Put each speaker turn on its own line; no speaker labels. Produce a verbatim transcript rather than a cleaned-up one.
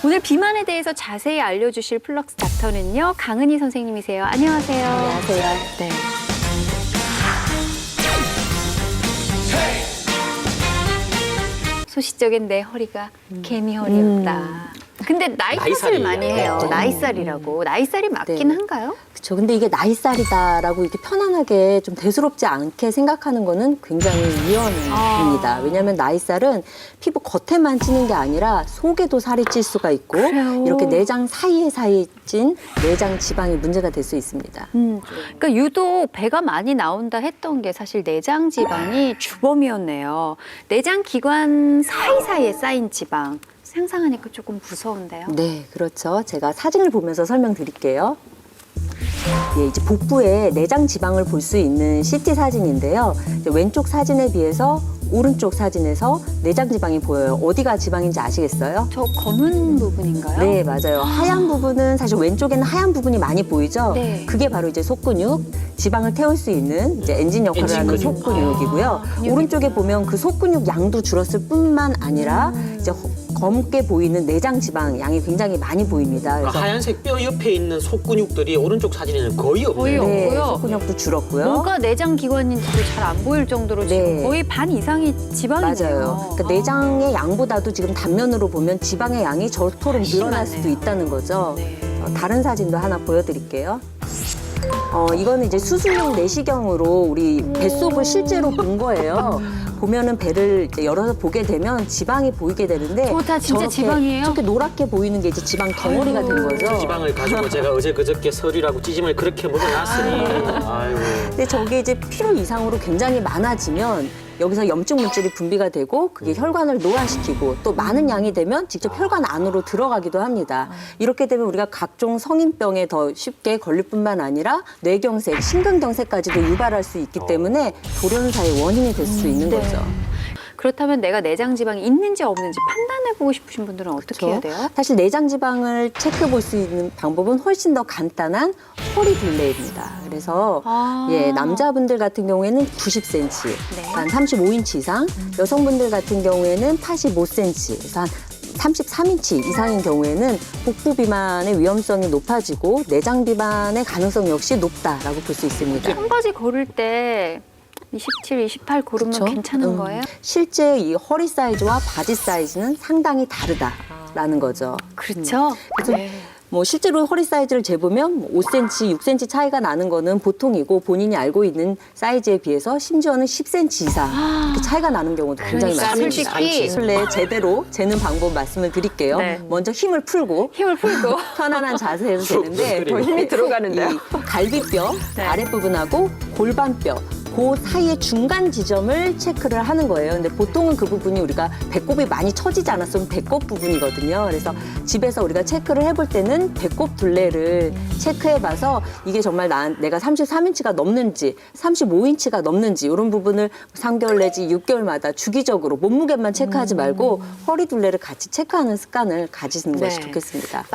오늘 비만에 대해서 자세히 알려주실 플럭스 닥터는요, 강은희 선생님이세요. 안녕하세요.
안녕하세요.
네. 소시적인 내 허리가 개미 허리였다. 근데 나이 탓을
나이살이
많이 해요.
네.
나이살이라고. 나이살이 맞긴
네.
한가요?
그렇죠. 근데 이게 나이살이다라고 이렇게 편안하게 좀 대수롭지 않게 생각하는 거는 굉장히 위험입니다.
아.
왜냐하면 나이살은 피부 겉에만 찌는 게 아니라 속에도 살이 찔 수가 있고
그래요?
이렇게 내장 사이에 사이에 찐 내장 지방이 문제가 될 수 있습니다.
음. 그러니까 유독 배가 많이 나온다 했던 게 사실 내장 지방이 주범이었네요. 내장 기관 사이사이에 쌓인 지방. 상상하니까 조금 무서운데요.
네, 그렇죠. 제가 사진을 보면서 설명드릴게요. 예, 이제 복부에 내장 지방을 볼 수 있는 씨티 사진인데요. 이제 왼쪽 사진에 비해서 오른쪽 사진에서 내장 지방이 보여요. 어디가 지방인지 아시겠어요?
저 검은 부분인가요?
네, 맞아요. 하얀 부분은 사실 왼쪽에는 하얀 부분이 많이 보이죠?
네.
그게 바로 이제 속근육, 지방을 태울 수 있는 이제 엔진 역할을
엔진
하는
근육.
속근육이고요.
아, 근육이구나.
오른쪽에 보면 그 속근육 양도 줄었을 뿐만 아니라
음.
이제 허- 검게 보이는 내장 지방 양이 굉장히 많이 보입니다.
그러니까 하얀색 뼈 옆에 있는 속근육들이 오른쪽 사진에는 거의
거의
없네요.
네,
없고요.
속근육도 줄었고요.
뭐가 내장 기관인지도 잘 안 보일 정도로 지금
네.
거의 반 이상이 지방이네요.
맞아요. 그러니까
아.
내장의 양보다도 지금 단면으로 보면 지방의 양이 저토록
훨씬
늘어날
많네요.
수도 있다는 거죠.
네.
어, 다른 사진도 하나 보여드릴게요. 어, 이거는 이제 수술용 내시경으로 우리 뱃속을 실제로 본 거예요. 보면은 배를 이제 열어서 보게 되면 지방이 보이게 되는데
저거 다 진짜
저렇게,
지방이에요?
저렇게 노랗게 보이는 게 이제 지방 덩어리가 된
아이고.
거죠.
그 지방을 가지고 제가 어제 그저께 설이라고 찌짐을 그렇게 먹어놨으니 아이고.
근데 저게 이제 필요 이상으로 굉장히 많아지면 여기서 염증 물질이 분비가 되고 그게 혈관을 노화시키고 또 많은 양이 되면 직접 혈관 안으로 들어가기도 합니다. 이렇게 되면 우리가 각종 성인병에 더 쉽게 걸릴 뿐만 아니라 뇌경색, 심근경색까지도 유발할 수 있기 때문에 돌연사의 원인이 될 수 있는
네.
거죠.
그렇다면 내가 내장 지방이 있는지 없는지 판단해보고 싶으신 분들은 어떻게 해야 돼요?
사실 내장 지방을 체크해 볼 수 있는 방법은 훨씬 더 간단한 허리 둘레입니다. 그래서
아.
예, 남자분들 같은 경우에는 구십 센티미터,
네.
한 삼십오 인치 이상, 여성분들 같은 경우에는 팔십오 센티미터, 그래서 한 삼십삼 인치 이상인 경우에는 복부 비만의 위험성이 높아지고 내장 비만의 가능성 역시 높다라고 볼 수 있습니다.
청바지 고를 때 이십칠, 이십팔 고르면
그쵸?
괜찮은
음,
거예요?
실제 이 허리 사이즈와 바지 사이즈는 상당히 다르다라는 거죠.
그렇죠.
그래서
네.
뭐 실제로 허리 사이즈를 재보면 오 센티미터, 육 센티미터 차이가 나는 거는 보통이고 본인이 알고 있는 사이즈에 비해서 심지어는 십 센티미터 이상 이렇게 차이가 나는 경우도 굉장히
그러니까
많습니다.
솔직히
술래 제대로 재는 방법 말씀을 드릴게요.
네.
먼저 힘을 풀고
힘을 풀고
편안한 자세에서 재는데
더 힘이
들어가는데요?
이 갈비뼈
네.
아랫부분하고 골반뼈 그 사이의 중간 지점을 체크를 하는 거예요. 근데 보통은 그 부분이 우리가 배꼽이 많이 처지지 않았으면 배꼽 부분이거든요. 그래서 집에서 우리가 체크를 해볼 때는 배꼽 둘레를 체크해봐서 이게 정말 난 내가 삼십삼 인치가 넘는지 삼십오 인치가 넘는지 이런 부분을 삼 개월 내지 육 개월마다 주기적으로 몸무게만 체크하지 말고 허리 둘레를 같이 체크하는 습관을 가지시는 것이
네.
좋겠습니다.